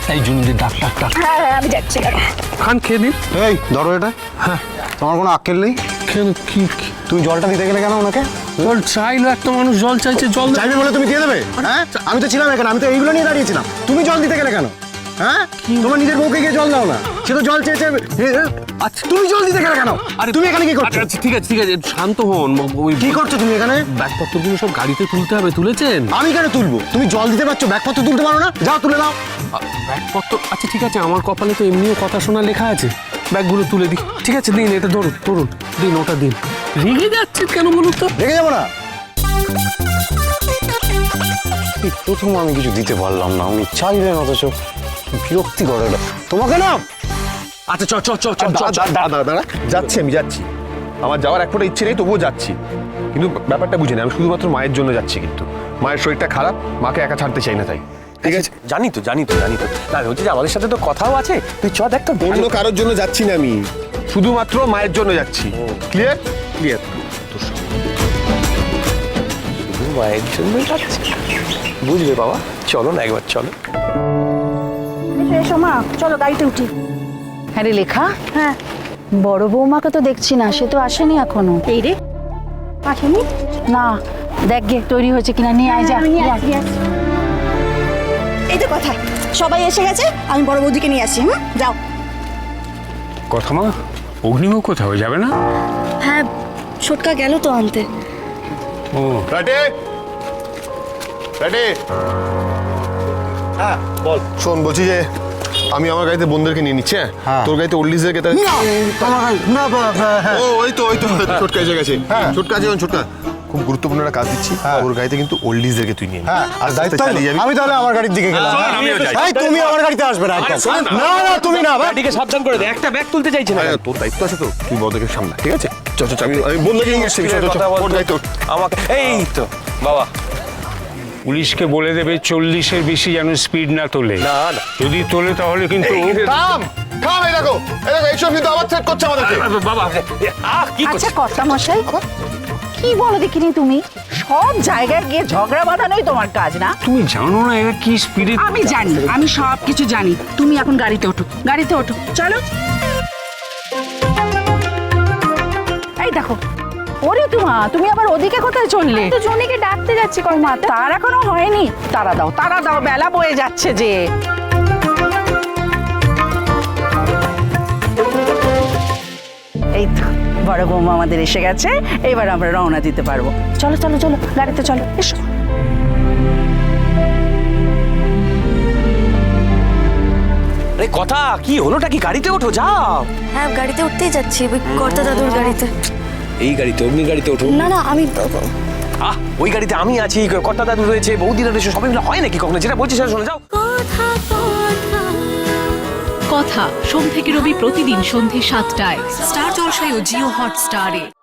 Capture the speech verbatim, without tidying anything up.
এই জুনুদি ডাক ডাক ডাক। হ্যাঁ হ্যাঁ আমি যাচ্ছি। খান খেয়ে দিন। এই ধরো এটা। হ্যাঁ তোমার কোনো আক্কেল নেই? কেন কি কি- তুমি জলটা দিতে গেলে কেন ওনাকে? জল চাইলো, একটা মানুষ জল চাইছে, জল দে- চাইবে বলে তুমি দিয়ে দেবে? হ্যাঁ, আমি তো ছিলাম এখানে, আমি তো এইগুলো নিয়ে দাঁড়িয়েছিলাম। তুমি জল দিতে গেলে কেন? হ্যাঁ, তোমার নিজের বউকে গিয়ে জল দাও না, সে তো জল চেয়েছে। আচ্ছা তুমি জল দিতে গেলে কেন? আরে তুমি এখানে কি করছো? আচ্ছা, আচ্ছা, ঠিক আছে ঠিক আছে শান্ত হন। ওই কি করছো তুমি এখানে? ব্যাগপত্রগুলো সব গাড়িতে তুলতে হবে, তুলেছেন? আমি কেন তুলবো? তুমি জল দিতে পারছো, ব্যাগপত্র তুলতে পারো না? যাও তুলে নাও। ব্যাগপত্র আচ্ছা ঠিক আছে, আমার কপালে তো এমনিও কথা শোনা লেখা আছে। ব্যাগগুলো তুলে দিই। ঠিক আছে দিন, এটা ধরুন ধরুন, দিন ওটা দিন। রেগে যাচ্ছেন কেন বলুন তো? রেখে যাবো না। এই প্রথম আমি কিছু দিতে পারলাম না, উনি চাইলেন, অথচ বিরক্তি করে এটা। তোমাকে না। আচ্ছা চ চ চ চ চ চ। দাদা দাদা যাচ্ছি, আমি যাচ্ছি। আমার যাওয়ার এক ফোঁটা ইচ্ছে নেই, তবুও যাচ্ছি। কিন্তু ব্যাপারটা বুঝে আমি শুধুমাত্র মায়ের জন্য যাচ্ছি, কিন্তু মায়ের শরীরটা খারাপ, মাকে একা ছাড়তে চাই না, তাই। ঠিক আছে, জানি তো জানি তো জানি তো না হচ্ছে যে আমাদের সাথে তো কথাও আছে। তুই চ দেখ তো। অন্য কারোর জন্য যাচ্ছি না আমি, শুধুমাত্র মায়ের জন্য যাচ্ছি। Clear clear. শুধু মায়ের জন্য যাচ্ছি, বুঝবে বাবা। চলো না একবার, চলো। এসো এসো মা, চলো গাড়িতে উঠি। হ্যাঁ রে লেখা, হ্যাঁ বড় বৌমাকে তো দেখছি না, সে তো আসেনি এখনো। এই রে আসেনি? না, দেখ গে তৈরি হয়েছে কিনা, নিয়ে আয় যা। আমি নিয়ে যা। আসি, নিয়ে আসি। এই তো কথা, সবাই এসে গেছে, আমি বড় বৌদিকে নিয়ে আসি। হুম যাও। কথা মা, অগ্নিমুখ কোথাও যাবে না? হ্যাঁ ছোটকা গেল তো আনতে। ও রাটে রাটে হ্যাঁ বল। শোন, বলছি যে আমি আমার গাড়িতে বোনদেরকে নিয়ে নিচ্ছি। হ্যাঁ, তোর গাড়িতে ওল্ডিজদেরকে তাহলে। না হ্যাঁ ও ওই তো ওই তো ছোটকা এসে গেছে। ছোটকা আছে, ছোটকা খুব গুরুত্বপূর্ণ একটা কাজ দিচ্ছি। ওর গাড়িতে কিন্তু ওল্ডিজদেরকে তুই নিয়ে হ্যাঁ, আর দায়িত্ব চালিয়ে যাবি। আমি তাহলে আমার গাড়ির দিকে গেলাম। আমিও যাই। এই, তুমি আমার গাড়িতে আসবে না একদম। না না তুমি না, ভাই। গাড়িকে সাবধান করে দে, একটা ব্যাগ তুলতে চাইছে না। হ্যাঁ, তোর দায়িত্ব আছে তো, তুই বড়দেরকে সামলা, ঠিক আছে? চল চল, আমি আমি বন্ধুকে নিয়ে এসেছি। কথা বল ওর দায়িত্ব। আমাকে। এই তো বাবা। পুলিশকে বলে দেবে চল্লিশের বেশি যেন স্পিড না তোলে। না না যদি তোলে তাহলে কিন্তু থাম থাম, এই দেখো এই দেখো, এইসব কিন্তু আবার সেট করছে আমাদেরকে। বাবা। আহ কি আচ্ছা করছিস? কর্তা মশাই, কি বলো দেখিনি তুমি? সব জায়গায় গিয়ে ঝগড়া বাঁধানোই তোমার কাজ না? তুমি জানো না এরা কি স্পিডে। আমি জানি, আমি সব কিছু জানি। তুমি এখন গাড়িতে ওঠো, গাড়িতে ওঠো, চলো। এই দেখো, ওরে তোমা, তুমি আবার ওদিকে কোথায় চললে? তো জনিকে ডাকতে যাচ্ছি কর মা, তার এখনো হয়নি। তারা দাও, তারা দাও, বেলা বয়ে যাচ্ছে যে। এই তো বড় বৌমা আমাদের এসে গেছে, এবার আমরা রওনা দিতে পারবো। চলো চলো চলো, গাড়িতে চলো, এসো। আরে কথা কি হলোটা কি? গাড়িতে ওঠো, যাও। হ্যাঁ গাড়িতে উঠতেই যাচ্ছি, ওই কর্তা দাদুর গাড়িতে। এই গাড়িতে, অগ্নি গাড়িতে ওঠো। না না আমি আহ ওই গাড়িতে আমি আছি, কর্তা দাদু রয়েছে, বৌদিরা রয়েছে, সবাই মিলে হয় নাকি কখনো? যেটা বলছি সেটা শোনো, যাও। কথা সোম থেকে রবি প্রতিদিন সন্ধে সাতটায় স্টার জলসায় ও জিও হটস্টারে।